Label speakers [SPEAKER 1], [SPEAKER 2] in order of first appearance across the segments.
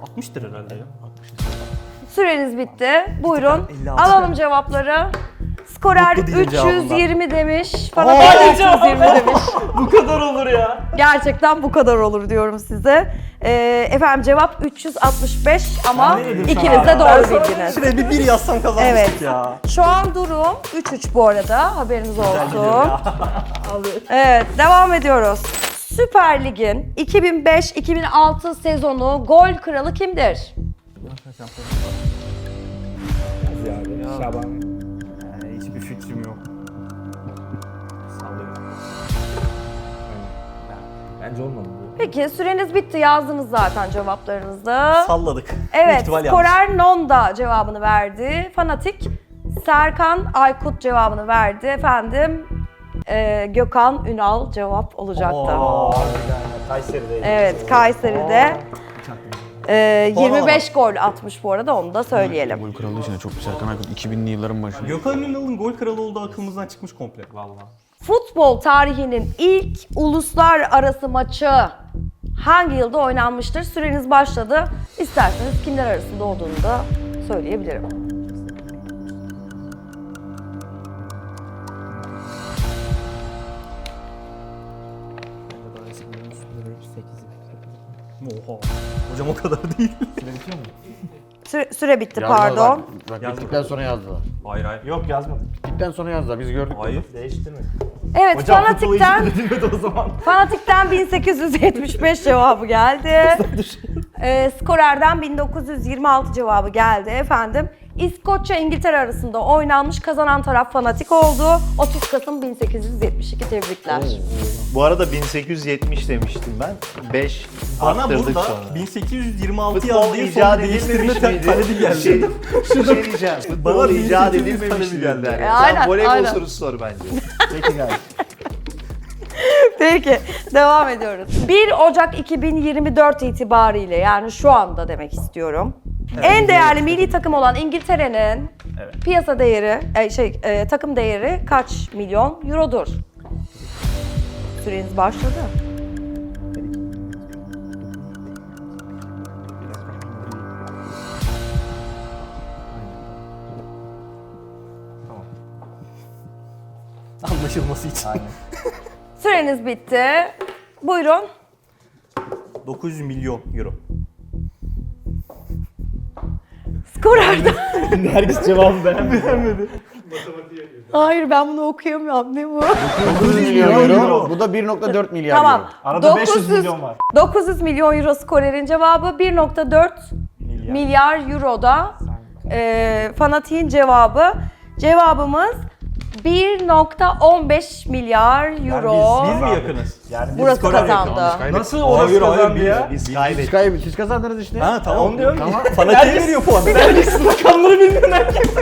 [SPEAKER 1] 60'tır herhalde ya.
[SPEAKER 2] Süreniz bitti. Buyurun.
[SPEAKER 1] 56.
[SPEAKER 2] Alalım cevapları. Skorer
[SPEAKER 1] Mutlu değilim
[SPEAKER 2] 320 demiş. Fanatik 320 demiş.
[SPEAKER 1] Bu kadar olur ya.
[SPEAKER 2] Gerçekten bu kadar olur diyorum size. Efendim cevap 365 ama
[SPEAKER 3] Ben ne dedim
[SPEAKER 2] ikiniz
[SPEAKER 3] sana
[SPEAKER 2] de
[SPEAKER 3] ya?
[SPEAKER 2] doğru bildiniz.
[SPEAKER 1] Şuraya bir yazsam kazanmıştık
[SPEAKER 2] Evet.
[SPEAKER 1] ya.
[SPEAKER 2] Şu an durum 3-3 bu arada. Haberiniz
[SPEAKER 1] gidiyor
[SPEAKER 2] olsun.
[SPEAKER 1] ya.
[SPEAKER 2] Evet, devam ediyoruz. Süper Lig'in 2005-2006 sezonu gol kralı kimdir?
[SPEAKER 3] Şaban. Hiçbir fikrim yok. Sallıyorum. Bence olmadı bu.
[SPEAKER 2] Peki süreniz bitti. Yazdınız zaten cevaplarınızı.
[SPEAKER 1] Salladık. Büyük
[SPEAKER 2] Evet,
[SPEAKER 1] ihtimal yanlış.
[SPEAKER 2] Skorer Nonda cevabını verdi. Fanatik Serkan Aykut cevabını verdi. Efendim Gökhan Ünal cevap olacaktı.
[SPEAKER 3] Kayseri'deydi.
[SPEAKER 2] Evet, Kayseri'de 25 gol atmış bu arada, onu da söyleyelim.
[SPEAKER 4] Gol kralı için de çok güzel. Serkan Aykut 2000'li yılların başında.
[SPEAKER 1] Gökhan Ünal'ın gol kralı olduğu aklımızdan çıkmış komple. Vallahi.
[SPEAKER 2] Futbol tarihinin ilk uluslararası maçı hangi yılda oynanmıştır? Süreniz başladı. İsterseniz kimler arasında olduğunu da söyleyebilirim.
[SPEAKER 1] Oha. Hocam o kadar değil.
[SPEAKER 2] Süre bitti,
[SPEAKER 4] Yazdılar
[SPEAKER 2] pardon.
[SPEAKER 4] Bak bittikten sonra yazdılar.
[SPEAKER 1] Hayır hayır.
[SPEAKER 3] Yok yazmadım.
[SPEAKER 4] Bittikten sonra yazdılar. Biz gördük.
[SPEAKER 1] Hayır.
[SPEAKER 3] Değişti mi?
[SPEAKER 2] Evet,
[SPEAKER 3] Hocam futbolu hiç
[SPEAKER 2] Fanatik'ten
[SPEAKER 3] bilmedi o zaman.
[SPEAKER 2] Fanatik'ten 1875 cevabı geldi. Skorer'den 1926 cevabı geldi efendim. İskoçya İngiltere arasında oynanmış, kazanan taraf Fanatik oldu. 30 Kasım 1872, tebrikler.
[SPEAKER 5] Bu arada 1870 demiştim ben. 5
[SPEAKER 1] Bana
[SPEAKER 5] arttırdık
[SPEAKER 1] burada
[SPEAKER 5] sonra.
[SPEAKER 1] 1826
[SPEAKER 5] Futbol
[SPEAKER 1] yazdığı
[SPEAKER 5] icat
[SPEAKER 1] son değiştirme
[SPEAKER 5] edilmemiş miydi?
[SPEAKER 1] talebi geldi.
[SPEAKER 5] Şey diyeceğim.
[SPEAKER 1] Bana
[SPEAKER 5] Futbol icat
[SPEAKER 1] 1800
[SPEAKER 5] edilmemiş
[SPEAKER 1] talebi
[SPEAKER 5] miydi?
[SPEAKER 1] geldi.
[SPEAKER 5] Yani.
[SPEAKER 2] Aynen,
[SPEAKER 5] Sen voleybol
[SPEAKER 2] aynen.
[SPEAKER 5] sorusu sor bence.
[SPEAKER 3] Peki gayet.
[SPEAKER 2] Peki, devam ediyoruz. 1 Ocak 2024 itibariyle, yani şu anda demek istiyorum. En değerli milli takım olan İngiltere'nin piyasa değeri, takım değeri kaç milyon eurodur? Süreniz başladı.
[SPEAKER 1] Anlaşılması için.
[SPEAKER 2] Süreniz bitti. Buyurun.
[SPEAKER 1] 900 milyon euro.
[SPEAKER 2] Skorer'den.
[SPEAKER 3] Herkes cevabı beğenmedi.
[SPEAKER 2] Hayır, ben bunu okuyamıyorum. Ne bu?
[SPEAKER 4] 900 milyon euro. Bu da 1.4 milyar
[SPEAKER 2] Tamam.
[SPEAKER 4] euro.
[SPEAKER 3] Arada 500 milyon var.
[SPEAKER 2] 900 milyon euro Skorer'in cevabı, 1.4 milyar euroda Fanatik'in cevabı. Cevabımız 1.15 milyar euro.
[SPEAKER 1] Biz mi yakınız?
[SPEAKER 3] Yani
[SPEAKER 2] Burası
[SPEAKER 1] Skorer
[SPEAKER 2] kazandı.
[SPEAKER 3] nasıl orası
[SPEAKER 1] Hayır, hayır,
[SPEAKER 3] kazandı
[SPEAKER 1] biz-
[SPEAKER 3] ya?
[SPEAKER 5] Biz
[SPEAKER 4] Siz kazandınız işte.
[SPEAKER 1] Ha tamam.
[SPEAKER 3] Onu diyorum
[SPEAKER 4] Tamam.
[SPEAKER 1] Fanatik'e veriyor puanı.
[SPEAKER 3] Rakamları bilmiyorum herkes.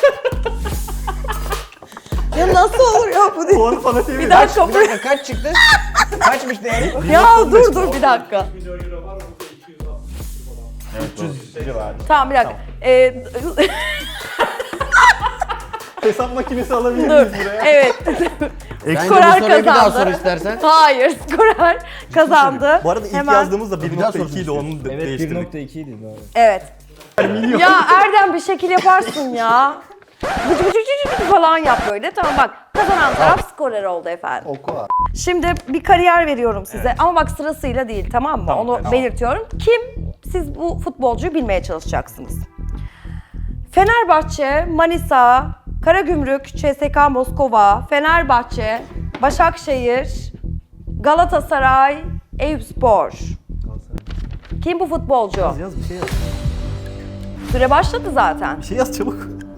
[SPEAKER 2] Ya nasıl olur ya bu değil?
[SPEAKER 1] Puanı Fanatik'e
[SPEAKER 2] Bir
[SPEAKER 1] veriyor.
[SPEAKER 2] dakika.
[SPEAKER 4] Bir dakika kaç çıktı? Kaçmış değeri?
[SPEAKER 2] Ya dur bir dakika. Tamam bir dakika.
[SPEAKER 1] Hesap makinesi alabilir
[SPEAKER 2] Dur.
[SPEAKER 1] miyiz buraya?
[SPEAKER 2] Evet.
[SPEAKER 4] Bence bu
[SPEAKER 2] Skorer
[SPEAKER 4] soruyu bir daha
[SPEAKER 2] kazandı.
[SPEAKER 4] sor istersen.
[SPEAKER 2] Hayır, Skorer kazandı.
[SPEAKER 1] Bu arada ilk
[SPEAKER 2] Hemen.
[SPEAKER 1] yazdığımızda
[SPEAKER 4] Bir daha
[SPEAKER 1] 1.2 idi, onu
[SPEAKER 3] Evet
[SPEAKER 1] değiştirdik.
[SPEAKER 3] 1.2 idi doğru.
[SPEAKER 2] Evet. Ya Erdem, bir şekil yaparsın ya. Bıcı bıcı bıcı bıcı falan yap böyle. Tamam bak, kazanan taraf Skorer oldu efendim.
[SPEAKER 5] Oku abi.
[SPEAKER 2] Şimdi bir kariyer veriyorum size ama bak sırasıyla değil, tamam mı? Onu belirtiyorum. Kim? Siz bu futbolcuyu bilmeye çalışacaksınız. Fenerbahçe, Manisa, Karagümrük, CSKA Moskova, Fenerbahçe, Başakşehir, Galatasaray, Eyüpspor. Kim bu futbolcu?
[SPEAKER 1] Yaz bir şey yaz.
[SPEAKER 2] Süre başladı zaten.
[SPEAKER 1] Bir şey yaz çabuk.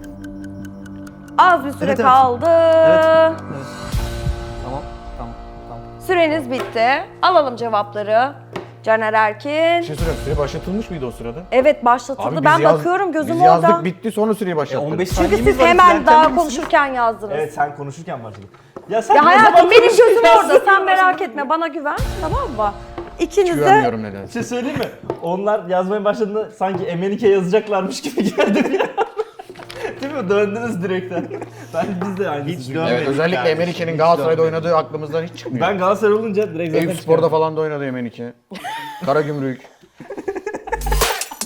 [SPEAKER 2] Az bir süre
[SPEAKER 1] Evet, evet.
[SPEAKER 2] kaldı.
[SPEAKER 1] Evet. Tamam.
[SPEAKER 2] Süreniz bitti. Alalım cevapları. Caner Erkin.
[SPEAKER 4] Bir şey soruyorum. Süre başlatılmış mıydı o sırada?
[SPEAKER 2] Evet, başlatıldı.
[SPEAKER 4] Abi
[SPEAKER 2] Ben
[SPEAKER 4] biz yaz-
[SPEAKER 2] bakıyorum, gözüm
[SPEAKER 4] biz
[SPEAKER 2] orada.
[SPEAKER 4] yazdık bitti sonra süreyi başlattık.
[SPEAKER 1] 15
[SPEAKER 2] Çünkü
[SPEAKER 1] saniyemiz
[SPEAKER 2] siz
[SPEAKER 1] var,
[SPEAKER 2] hemen
[SPEAKER 1] izlerken
[SPEAKER 2] daha
[SPEAKER 1] misiniz?
[SPEAKER 2] konuşurken yazdınız.
[SPEAKER 3] Evet sen konuşurken başladın. Ya sen
[SPEAKER 2] Ya
[SPEAKER 3] ne
[SPEAKER 2] hayatım,
[SPEAKER 3] zaman
[SPEAKER 2] benim gözüm
[SPEAKER 3] konuşurken
[SPEAKER 2] orada. Sen
[SPEAKER 3] yazdın?
[SPEAKER 2] merak etme, bana güven. Tamam mı? İkiniz de
[SPEAKER 4] Güvenmiyorum
[SPEAKER 3] Bir
[SPEAKER 4] nedense.
[SPEAKER 3] şey söyleyeyim mi? Onlar yazmaya başladığında sanki Emenike yazacaklarmış gibi geldi bir an. Değil mi? Döndünüz direkten. Biz de aynısını
[SPEAKER 5] Hiç
[SPEAKER 3] düşündük.
[SPEAKER 5] dönmedik.
[SPEAKER 4] Evet, özellikle
[SPEAKER 5] yani.
[SPEAKER 4] Emenike'nin Galatasaray'da oynadığı aklımızdan hiç çıkmıyor.
[SPEAKER 3] Ben Galatasaray olunca direkt zaten
[SPEAKER 4] Eyüpspor'da falan da oynadı Emenike. Karagümrük.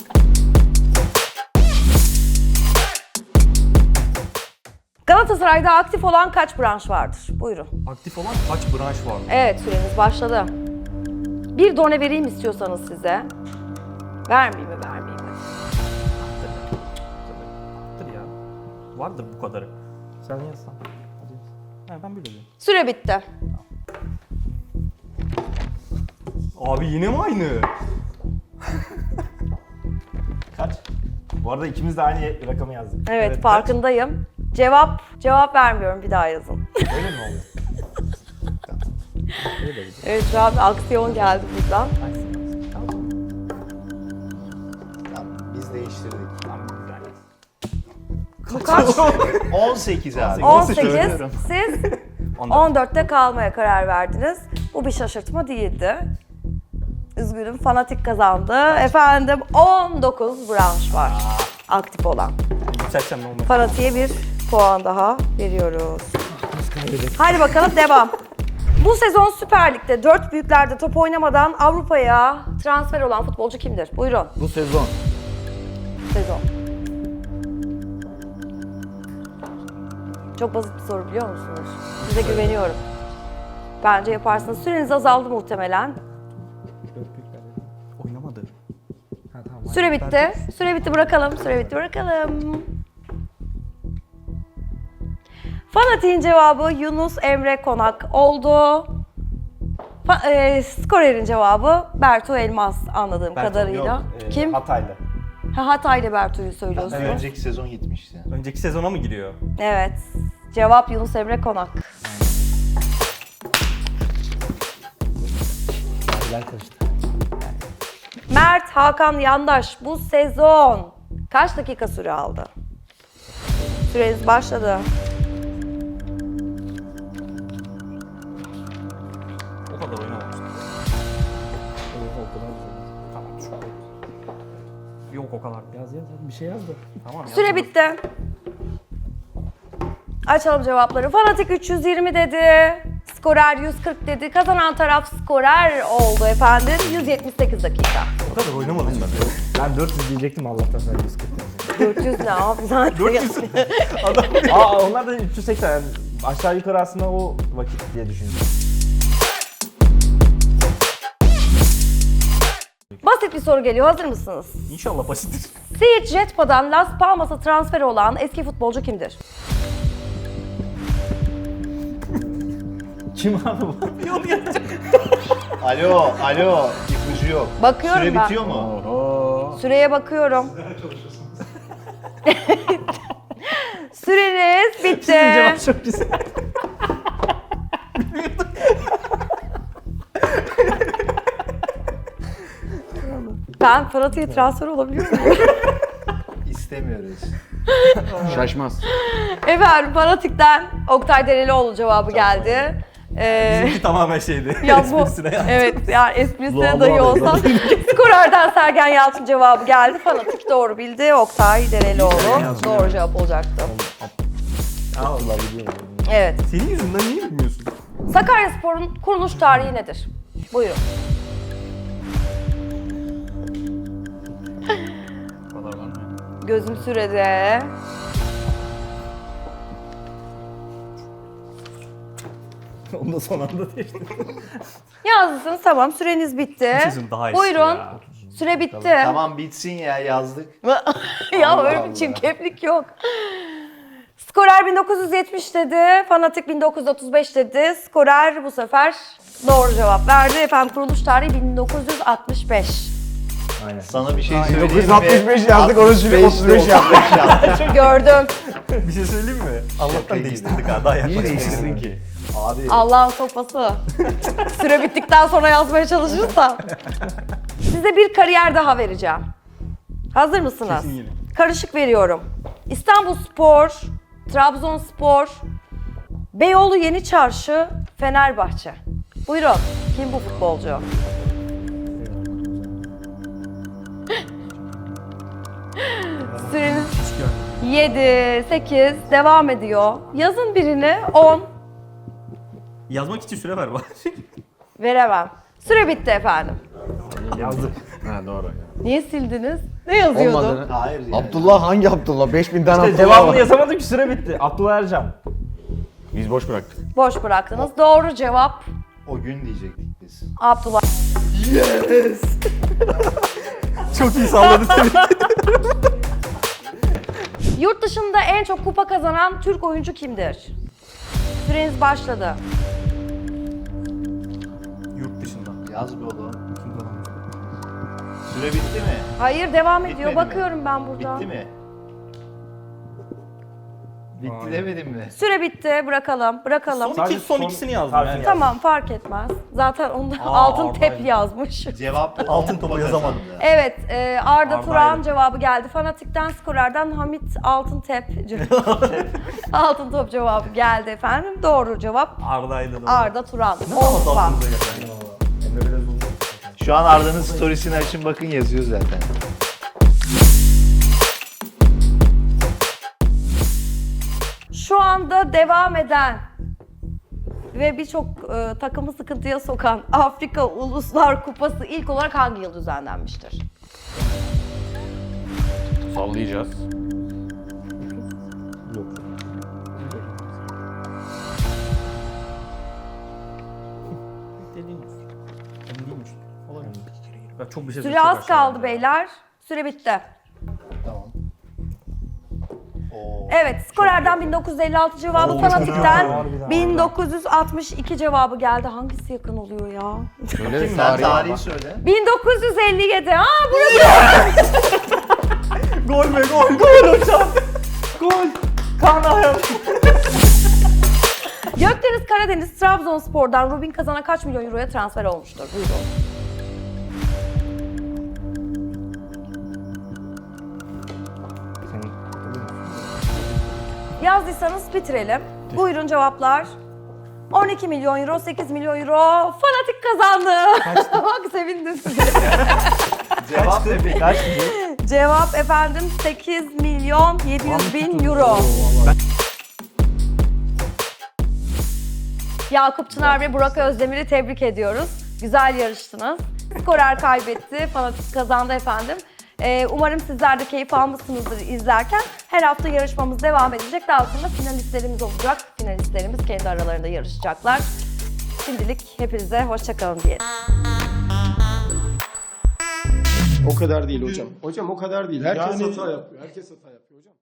[SPEAKER 2] Galatasaray'da aktif olan kaç branş vardır? Buyurun.
[SPEAKER 1] Aktif olan kaç branş var?
[SPEAKER 2] Evet, süreniz başladı. Bir done vereyim istiyorsanız size. Vermeyeyim mi?
[SPEAKER 1] Vardır ya. Vardır bu kadarı.
[SPEAKER 3] Sen yazsan.
[SPEAKER 1] Ha, ben böyle diyorum.
[SPEAKER 2] Süre bitti.
[SPEAKER 1] Abi yine mi aynı?
[SPEAKER 3] Kaç? Bu arada ikimiz de aynı rakamı yazdık.
[SPEAKER 2] Evet,
[SPEAKER 1] kaç?
[SPEAKER 2] farkındayım. Cevap vermiyorum, bir daha yazın.
[SPEAKER 3] Öyle mi oldu?
[SPEAKER 2] Evet, şu an bir aksiyon geldi buradan.
[SPEAKER 5] Tamam, biz değiştirdik.
[SPEAKER 3] Tamam, güzel.
[SPEAKER 2] Bu kaç?
[SPEAKER 5] 18 abi.
[SPEAKER 2] 18.
[SPEAKER 5] Söylüyorum.
[SPEAKER 2] Siz
[SPEAKER 1] 14.
[SPEAKER 2] 14'te kalmaya karar verdiniz. Bu bir şaşırtma değildi. Üzgünüm, Fanatik kazandı. Efendim 19 branş var aktif olan.
[SPEAKER 1] Yükseltsem ne olmaz?
[SPEAKER 2] Fanatik'e bir puan daha veriyoruz. Hadi bakalım devam. Bu sezon Süper Lig'de 4 büyüklerde top oynamadan Avrupa'ya transfer olan futbolcu kimdir? Buyurun.
[SPEAKER 4] Bu sezon.
[SPEAKER 2] Sezon. Çok basit bir soru biliyor musunuz? Size güveniyorum. Bence yaparsınız. Süreniz azaldı muhtemelen.
[SPEAKER 1] Oynamadı.
[SPEAKER 2] Süre bitti. Süre bitti bırakalım. Süre bitti bırakalım. Fanatik'in cevabı Yunus Emre Konak oldu. Skorer'in cevabı Bertu Elmas anladığım kadarıyla.
[SPEAKER 3] Yok,
[SPEAKER 2] Kim?
[SPEAKER 3] Hataylı.
[SPEAKER 2] Hatay'la Bertu'yu söylüyorsunuz.
[SPEAKER 5] Önceki sezon gitmişti.
[SPEAKER 1] Önceki sezona mı giriyor?
[SPEAKER 2] Evet. Cevap Yunus Emre Konak.
[SPEAKER 3] Ben karıştı.
[SPEAKER 2] Mert Hakan Yandaş bu sezon kaç dakika süre aldı? Süreniz başladı.
[SPEAKER 1] O kadar oynamamıştı. Tamam şu. Yok o kadar.
[SPEAKER 3] Yaz bir şey yaz da.
[SPEAKER 1] Tamam ya.
[SPEAKER 2] Süre bitti. Açalım cevapları. Fanatik 320 dedi. Skorer 140 dedi. Kazanan taraf Skorer oldu efendim. 178 dakika.
[SPEAKER 1] O kadar oynamadım ben.
[SPEAKER 3] Ben 400 diyecektim Allah'tan sen 140 yazdın.
[SPEAKER 2] 400 ne abi zaten.
[SPEAKER 1] 400.
[SPEAKER 3] Aa onlar da 380 yani aşağı yukarı aslında o vakit diye düşündüm.
[SPEAKER 2] Basit bir soru geliyor. Hazır mısınız?
[SPEAKER 1] İnşallah basittir.
[SPEAKER 2] Siirt Jetpa'dan Las Palmas'a transfer olan eski futbolcu kimdir?
[SPEAKER 3] Kim abi bu?
[SPEAKER 5] Alo, ipucu yok.
[SPEAKER 2] Bakıyorum
[SPEAKER 5] Süre
[SPEAKER 2] ben.
[SPEAKER 5] bitiyor mu?
[SPEAKER 2] Süreye bakıyorum. Süreniz bitti.
[SPEAKER 3] Cevap çok güzel.
[SPEAKER 2] Ben Fanatik'e transfer olabiliyor muyum?
[SPEAKER 5] İstemiyoruz.
[SPEAKER 4] Şaşmaz.
[SPEAKER 2] Efendim Fanatik'ten Oktay Derelioğlu cevabı geldi.
[SPEAKER 1] Bizimki tamamen şeydi.
[SPEAKER 2] Ya bu,
[SPEAKER 1] Esprisine ya.
[SPEAKER 2] evet yani esprisine
[SPEAKER 3] Doğal,
[SPEAKER 2] dahi
[SPEAKER 3] doğal,
[SPEAKER 2] olsa Skorer'den Sergen Yalçın cevabı geldi. Fanatik doğru bildi. Oktay Derelioğlu doğru cevap olacaktı.
[SPEAKER 3] Allah biliyorum.
[SPEAKER 2] Evet.
[SPEAKER 1] Senin yüzünden niye bilmiyorsun?
[SPEAKER 2] Sakaryaspor'un kuruluş tarihi nedir? Buyurun.
[SPEAKER 1] O kadar var mı?
[SPEAKER 2] Gözüm sürede.
[SPEAKER 3] Onu da son anda değiştirdim.
[SPEAKER 2] Yazdınız tamam süreniz bitti.
[SPEAKER 1] Sizin daha iyisi
[SPEAKER 2] Buyurun.
[SPEAKER 1] ya.
[SPEAKER 2] Süre bitti.
[SPEAKER 5] Tamam bitsin ya yazdık.
[SPEAKER 2] Ya
[SPEAKER 5] Allah
[SPEAKER 2] öyle
[SPEAKER 5] Allah.
[SPEAKER 2] bir çirkeflik yok. Skorer 1970 dedi, Fanatik 1935 dedi. Skorer bu sefer doğru cevap verdi. Efendim kuruluş tarihi 1965.
[SPEAKER 3] Aynen.
[SPEAKER 5] Sana bir şey söyleyeyim mi?
[SPEAKER 4] 965 yazdık, onu süre 35 yaptık.
[SPEAKER 2] Gördüm.
[SPEAKER 1] Bir şey söyleyeyim mi? Allah'tan
[SPEAKER 5] iyi.
[SPEAKER 1] değiştirdik ha. Daha
[SPEAKER 4] Niye
[SPEAKER 1] yaklaşık.
[SPEAKER 4] değiştirdin ki?
[SPEAKER 5] Abi
[SPEAKER 2] Allah'ın sopası. Süre bittikten sonra yazmaya çalışırsam. Size bir kariyer daha vereceğim. Hazır mısınız?
[SPEAKER 1] Kesin yine.
[SPEAKER 2] Karışık veriyorum. İstanbulspor, Trabzonspor, Beyoğlu Yeni Çarşı, Fenerbahçe. Buyurun. Kim bu futbolcu? Süreniz 7, 8 devam ediyor. Yazın birini 10
[SPEAKER 1] Yazmak için süre ver bari.
[SPEAKER 2] veremem. Süre bitti efendim.
[SPEAKER 3] Yazdık.
[SPEAKER 4] Ha doğru.
[SPEAKER 2] Niye sildiniz? Ne yazıyordu?
[SPEAKER 4] Olmadığını.
[SPEAKER 5] Hayır yani.
[SPEAKER 4] Abdullah hangi Abdullah? 5000 tane
[SPEAKER 3] İşte
[SPEAKER 4] Abdullah
[SPEAKER 3] devamını
[SPEAKER 4] var.
[SPEAKER 3] yazamadık ki süre bitti. Abdullah Ercan.
[SPEAKER 4] Biz boş bıraktık.
[SPEAKER 2] Boş bıraktınız. Doğru cevap
[SPEAKER 5] O gün diyecektik biz.
[SPEAKER 2] Abdullah.
[SPEAKER 3] Çok iyi salladı tabii.
[SPEAKER 2] Yurt dışında en çok kupa kazanan Türk oyuncu kimdir? Süreniz başladı.
[SPEAKER 1] Yurt dışında.
[SPEAKER 5] Yaz be oğlum.
[SPEAKER 1] Kim kazanmış?
[SPEAKER 5] Süre bitti mi?
[SPEAKER 2] Hayır, devam ediyor.
[SPEAKER 5] Bitmedi mi?
[SPEAKER 2] Bakıyorum ben burada.
[SPEAKER 5] Bitti mi? Bitti
[SPEAKER 1] Hayır.
[SPEAKER 5] demedim mi?
[SPEAKER 2] Süre bitti. Bırakalım. Bırakalım.
[SPEAKER 1] Son ikisini yazdım
[SPEAKER 3] Harfini
[SPEAKER 1] yani.
[SPEAKER 2] Tamam, fark etmez. Zaten onda
[SPEAKER 1] Aa,
[SPEAKER 2] altın
[SPEAKER 1] Arda'ydı.
[SPEAKER 2] tep yazmış.
[SPEAKER 5] Cevap
[SPEAKER 1] Altın topu yazamadım.
[SPEAKER 2] Evet, Arda
[SPEAKER 1] Arda'ydı.
[SPEAKER 2] Turan cevabı geldi. Fanatik'ten, Skorer'den Hamit Altıntep Altın top cevabı geldi efendim. Doğru cevap
[SPEAKER 1] Arda'ydı da.
[SPEAKER 2] Arda Turan.
[SPEAKER 1] Ne
[SPEAKER 2] 10
[SPEAKER 1] zaman
[SPEAKER 2] puan.
[SPEAKER 1] aklınıza geldi? Emre biraz uzun.
[SPEAKER 5] Şu an Arda'nın storiesini açın bakın yazıyor zaten.
[SPEAKER 2] Şu anda devam eden ve birçok takımı sıkıntıya sokan Afrika Uluslar Kupası ilk olarak hangi yıl düzenlenmiştir?
[SPEAKER 4] Sallayacağız.
[SPEAKER 1] Dediğimiz. Emin değilmiş. Olabilir. Ben çok bir şey
[SPEAKER 2] Süre az kaldı beyler. Süre bitti.
[SPEAKER 5] Tamam. Oo.
[SPEAKER 2] Evet, Skorer'den 1956 cevabı,
[SPEAKER 1] Oo,
[SPEAKER 2] Fanatik'ten
[SPEAKER 1] harbiden.
[SPEAKER 2] 1962 cevabı geldi. Hangisi yakın oluyor ya?
[SPEAKER 4] Söyle
[SPEAKER 5] Sen
[SPEAKER 4] tarihi.
[SPEAKER 5] tarihi söyle.
[SPEAKER 2] 1957. Burası.
[SPEAKER 3] Gol be gol gol hocam. Gol. Kaan Ayhan.
[SPEAKER 2] Gökdeniz Karadeniz Trabzonspor'dan Rubin Kazan'a kaç milyon euroya transfer olmuştur? Buyurun. Yazdıysanız bitirelim. Buyurun cevaplar. 12 milyon euro, 8 milyon euro. Fanatik kazandı. Bak sevindim.
[SPEAKER 5] Cevap ne peki?
[SPEAKER 3] Kaç
[SPEAKER 2] Cevap efendim 8 milyon 700 bin euro. Yakup Çınar ve Burak Özdemir'i tebrik ediyoruz. Güzel yarıştınız. Skorer kaybetti, Fanatik kazandı efendim. Umarım sizler de keyif almışsınızdır izlerken. Her hafta yarışmamız devam edecek. Daha sonra finalistlerimiz olacak. Finalistlerimiz kendi aralarında yarışacaklar. Şimdilik hepinize hoşça kalın diyelim.
[SPEAKER 6] O kadar değil hocam. Hocam o kadar değil. Herkes hata yapıyor. Herkes hata yapıyor hocam.